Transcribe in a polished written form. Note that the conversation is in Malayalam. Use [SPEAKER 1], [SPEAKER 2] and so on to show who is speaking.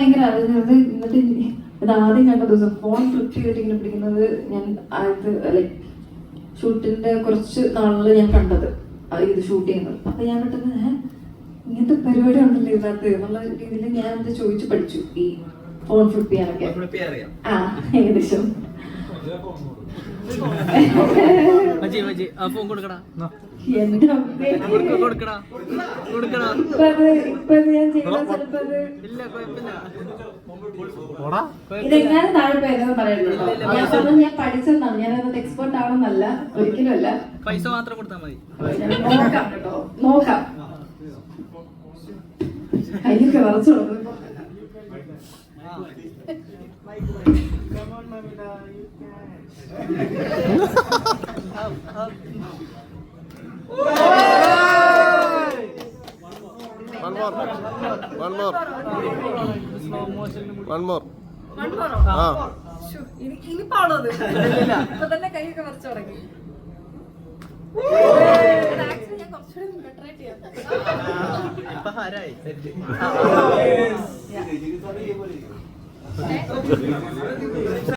[SPEAKER 1] ഭയങ്കര അറിഞ്ഞത്. എന്നിട്ട് ഇത് ആദ്യം കണ്ട ദിവസം ഫോൺ ഫ്ലിപ്പ് ചെയ്തിട്ട് ഇങ്ങനെ പിടിക്കുന്നത് ഞാൻ ലൈക്ക് ഷൂട്ടിന്റെ കുറച്ച് നാളിൽ ഞാൻ കണ്ടത് ഇത് ഷൂട്ട് ചെയ്യുന്നത്. അപ്പൊ ഞാൻ പെട്ടെന്ന് ഇങ്ങനത്തെ പരിപാടി ഉണ്ടല്ലോ ഇതിനകത്ത് എന്നുള്ള രീതിയിൽ ഞാൻ അത് ചോദിച്ചു പഠിച്ചു ഈ ഫോൺ ഫ്ലിപ്പ് ചെയ്യാനൊക്കെ. ആ ഏകദേശം ഇതെങ്ങനെ താഴെ പേരെന്ന് പറയുന്നുണ്ടോ? ഞാൻ പറഞ്ഞു ഞാൻ പഠിച്ചെന്നാണ്, ഞാനത് എക്സ്പേർട്ട് ആവണമെന്നല്ല, ഒരിക്കലും അല്ല.
[SPEAKER 2] പൈസ മാത്രം കൊടുത്താൽ മതി.
[SPEAKER 1] നോക്കാം കേട്ടോ, നോക്കാം. കയ്യൊക്കെ വറച്ചു കൊടുക്കും. ഇനി പാടത് ഇപ്പൊ തന്നെ കൈയൊക്കെ വരച്ചു തുടങ്ങി. ഞാൻ കുറച്ചുകൂടി ബെറ്ററായിട്ട് ചെയ്യാം.